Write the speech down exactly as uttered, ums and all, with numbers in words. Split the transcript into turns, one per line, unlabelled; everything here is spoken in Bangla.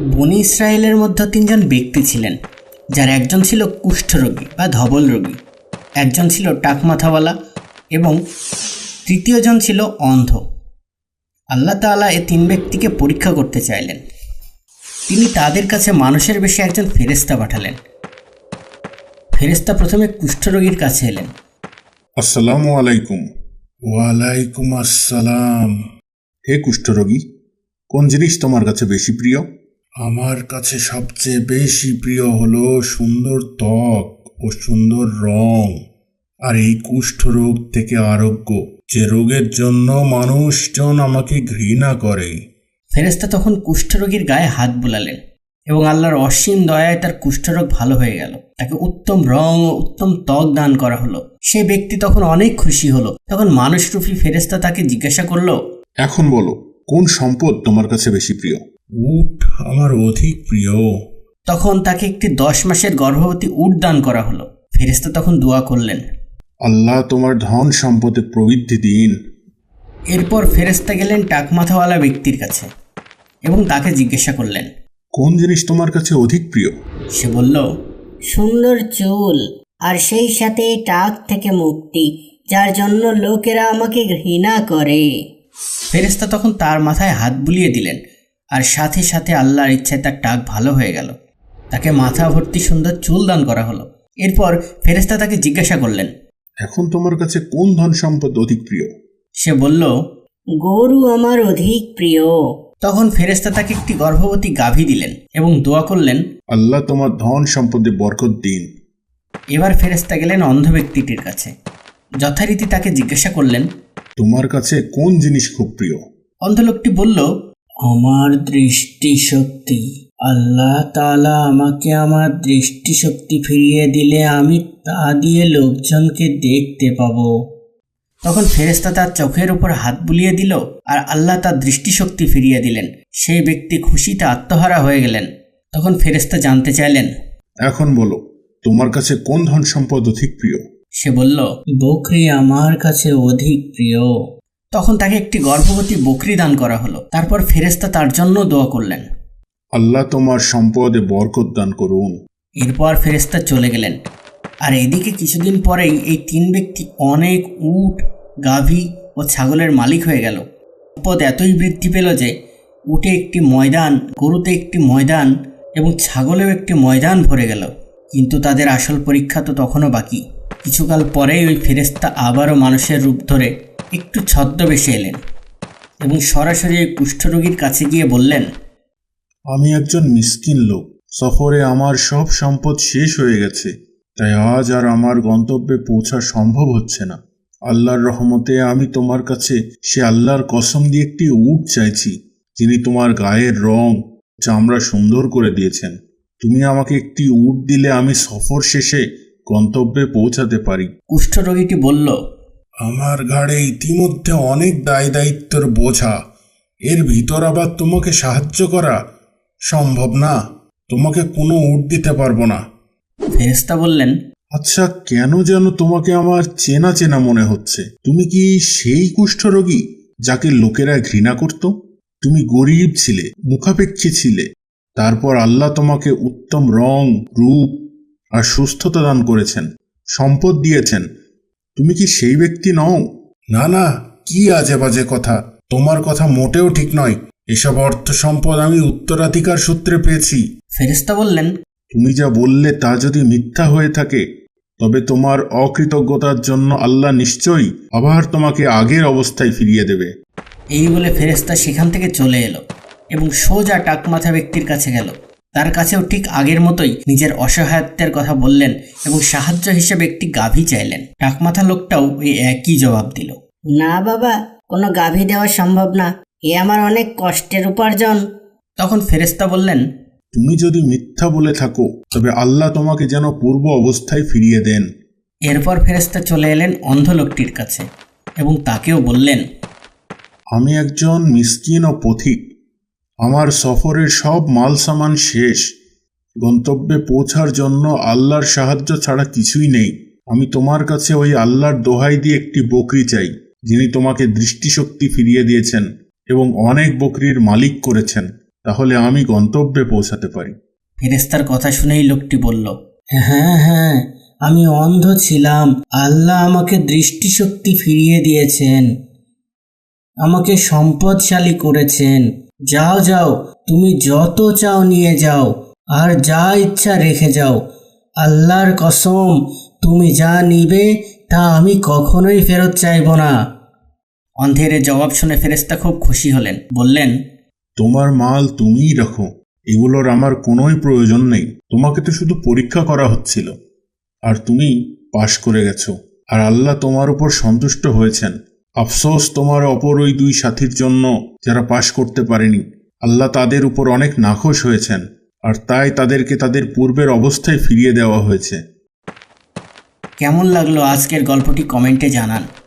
বনি ইসরায়েলের মধ্যে তিনজন ব্যক্তি ছিলেন, যার একজন ছিল কুষ্ঠরোগী বা ধবল রোগী, একজন ছিল টাকমাথাওয়ালা এবং তৃতীয়জন ছিল অন্ধ। আল্লাহ তাআলা এ তিন ব্যক্তিকে পরীক্ষা করতে চাইলেন। তিনি তাদের কাছে মানুষের বেশে একজন ফেরেশতা পাঠালেন। ফেরেশতা প্রথমে কুষ্ঠরোগীর কাছে এলেন।
আসসালামু আলাইকুম। ওয়ালাইকুম আসসালাম। হে কুষ্ঠরোগী, কোন জিনিস তোমার কাছে বেশি প্রিয়? আমার কাছে সবচেয়ে বেশি প্রিয় হলো সুন্দর ত্বক ও সুন্দর রং, আর এই কুষ্ঠরোগ থেকে আরোগ্য, যে রোগের জন্য মানুষজন আমাকে ঘৃণা করে।
ফেরেশতা তখন কুষ্ঠরোগীর গায়ে হাত বুলালেন এবং আল্লাহর অসীম দয়ায় তার কুষ্ঠরোগ ভালো হয়ে গেল। তাকে উত্তম রং ও উত্তম ত্বক দান করা হলো। সেই ব্যক্তি তখন অনেক খুশি হলো। তখন মানুষরূপী ফেরেশতা তাকে জিজ্ঞাসা করলো,
এখন বলো, কোন সম্পদ তোমার কাছে বেশি প্রিয়? উট আমার অধিক প্রিয়।
তখন তাকে একটি দশ মাসের গর্ভবতী উট দান করা হলো। ফেরেশতা তখন দোয়া করলেন,
আল্লাহ তোমার ধন সম্পদে প্রবৃদ্ধি দিন।
এরপর ফেরেশতা গেলেন টাকমাথাওয়ালা ব্যক্তির কাছে এবং তাকে জিজ্ঞাসা করলেন,
কোন জিনিস তোমার কাছে অধিক প্রিয়?
সে বলল,
সুন্দর চুল আর সেই সাথে টাক থেকে মুক্তি, যার জন্য লোকেরা আমাকে ঘৃণা করে।
ফেরেশতা তখন তার মাথায় হাত বুলিয়ে দিলেন আর সাথে সাথে আল্লাহর ইচ্ছায় তার টাক ভালো হয়ে গেল। তাকে মাথা ভর্তি সুন্দর চুল দান করা হলো। এরপর ফেরেশতা তাকে জিজ্ঞাসা করলেন,
এখন তোমার কাছে কোন ধন সম্পদ অধিক প্রিয়?
সে বলল,
গরু আমার অধিক প্রিয়।
তখন ফেরেশতা তাকে একটি গর্ভবতী গাভী দিলেন এবং দোয়া করলেন,
আল্লাহ তোমার ধন সম্পদে বরকত দিন।
এবার ফেরেশতা গেলেন অন্ধ ব্যক্তিটির কাছে। যথারীতি তাকে জিজ্ঞাসা করলেন,
তোমার কাছে কোন জিনিস খুব প্রিয়?
অন্ধ লোকটি বলল,
আমার দৃষ্টিশক্তি। আল্লাহ তাআলা আমাকে আমার দৃষ্টিশক্তি ফিরিয়ে দিলে আমি তা দিয়ে লোকজনকে দেখতে পাবো।
তখন ফেরেশতা তার চোখের উপর হাত বুলিয়ে দিল আর আল্লাহ তার দৃষ্টিশক্তি ফিরিয়ে দিলেন। সেই ব্যক্তি খুশিতে আত্মহারা হয়ে গেলেন। তখন ফেরেশতা জানতে চাইলেন,
এখন বলো, তোমার কাছে কোন ধন সম্পদ অধিক প্রিয়?
সে বলল,
বকরি আমার কাছে অধিক প্রিয়।
তখন তাকে একটি গর্ভবতী বকরি দান করা হলো। তারপর ফেরেশতা তার জন্য দোয়া করলেন,
আল্লাহ তোমার সম্পদে বরকত দান করুন।
এরপর ফেরেশতা চলে গেলেন। আর এদিকে কিছুদিন পরেই এই তিন ব্যক্তি অনেক উট, গাভী ও ছাগলের মালিক হয়ে গেল। সম্পদ এতই বৃদ্ধি পেল যে উটে একটি ময়দান, গরুতে একটি ময়দান এবং ছাগলেও একটি ময়দান ভরে গেল। কিন্তু তাদের আসল পরীক্ষা তো তখনও বাকি। কিছুকাল পরেই ওই ফেরেশতা আবারও মানুষের রূপ ধরে একটু ছদ্মবেশে এলেন এবং সরাসরি ওই কুষ্ঠরোগীর কাছে গিয়ে বললেন,
আমি একজন মিসকিন লোক, সফরে আমার সব সম্পদ শেষ হয়ে গেছে, তাই আজ আর আমার গন্তব্যে পৌঁছা সম্ভব হচ্ছে না। আল্লাহর রহমতে আমি তোমার কাছে সে আল্লাহর কসম দিয়ে একটি উট চাইছি, যিনি তোমার গায়ের রং, চামড়া সুন্দর করে দিয়েছেন। তুমি আমাকে একটি উট দিলে আমি সফর শেষে গন্তব্যে পৌঁছাতে পারি।
কুষ্ঠরোগীটি বলল,
আমার ঘাড়ে ইতিমধ্যে অনেক দায় দায়িত্বের বোঝা, এর ভিতর আবার তোমাকে সাহায্য করা সম্ভব না। তোমাকে কোনো উট দিতে পারবো না।
ফেরেশতা বললেন,
আচ্ছা, কেন যেন তোমাকে আমার চেনা চেনা মনে হচ্ছে। তুমি কি সেই কুষ্ঠরোগী যাকে লোকেরা ঘৃণা করত? তুমি গরিব ছিলে, মুখাপেক্ষী ছিলে, তারপর আল্লাহ তোমাকে উত্তম রং, রূপ আর সুস্থতা দান করেছেন, সম্পদ দিয়েছেন। তুমি কি সেই ব্যক্তি নও? না না, কি আজে বাজে কথা। তোমার কথা মোটেও ঠিক নয়। এসব অর্থ সম্পদ আমি উত্তরাধিকার সূত্রে পেয়েছি।
ফেরেশতা বললেন,
তুমি যা বললে তা যদি মিথ্যা হয়ে থাকে, তবে তোমার অকৃতজ্ঞতার জন্য আল্লাহ নিশ্চয়ই আবার তোমাকে আগের অবস্থায় ফিরিয়ে দেবে।
এই বলে ফেরেশতা সেখান থেকে চলে এলো এবং সোজা টাকমাথা ব্যক্তির কাছে গেল। তার কাছেও ঠিক আগের মতোই নিজের অসহায়ত্বের কথা বললেন এবং সাহায্য হিসেবে একটি গাভী চাইলেন। টাকমাথা লোকটাও ওই একই জবাব দিল।
না বাবা, কোনো গাভী দেওয়া সম্ভব না, এ আমার অনেক কষ্টের উপার্জন।
তখন ফেরেশতা বললেন,
তুমি যদি মিথ্যা বলে থাকো, তবে আল্লাহ তোমাকে যেন পূর্ব অবস্থায় ফিরিয়ে দেন।
এরপর ফেরেশতা চলে এলেন অন্ধ লোকটির কাছে এবং তাকেও বললেন,
আমি একজন মিসকিন ও পথিক। আমার সফরের সব মাল সামান শেষ। গন্তব্যে পৌঁছার জন্য আল্লাহর সাহায্য ছাড়া কিছুই নেই। আমি তোমার কাছে ওই আল্লাহর দোহাই দিয়ে একটি বকরি চাই, যিনি তোমাকে দৃষ্টিশক্তি ফিরিয়ে দিয়েছেন এবং অনেক বকরির মালিক করেছেন। তাহলে আমি গন্তব্যে পৌঁছাতে পারি।
ফেরেশতার কথা শুনেই লোকটি বলল,
হ্যাঁ হ্যাঁ, আমি অন্ধ ছিলাম, আল্লাহ আমাকে দৃষ্টিশক্তি ফিরিয়ে দিয়েছেন, আমাকে সম্পদশালী করেছেন। যাও যাও, তুমি যত চাও নিয়ে যাও, আর যা ইচ্ছা রেখে যাও। আল্লাহর কসম, তুমি যা নিবে তা আমি কখনোই ফেরত চাইব না।
অন্ধের এ জবাব শুনে ফেরেশতা খুব খুশি হলেন, বললেন,
তোমার মাল তুমিই রাখো, এগুলোর আমার কোনোই প্রয়োজন নেই। তোমাকে তো শুধু পরীক্ষা করা হচ্ছিল, আর তুমি পাশ করে গেছো, আর আল্লাহ তোমার উপর সন্তুষ্ট হয়েছেন। আফসোস তোমার অপর ওই দুই সাথীর জন্য যারা পাশ করতে পারেনি। আল্লাহ তাদের উপর অনেক নাখোশ হয়েছেন, আর তাই তাদেরকে তাদের পূর্বের অবস্থায় ফিরিয়ে দেওয়া হয়েছে।
কেমন লাগলো আজকের গল্পটি কমেন্টে জানান।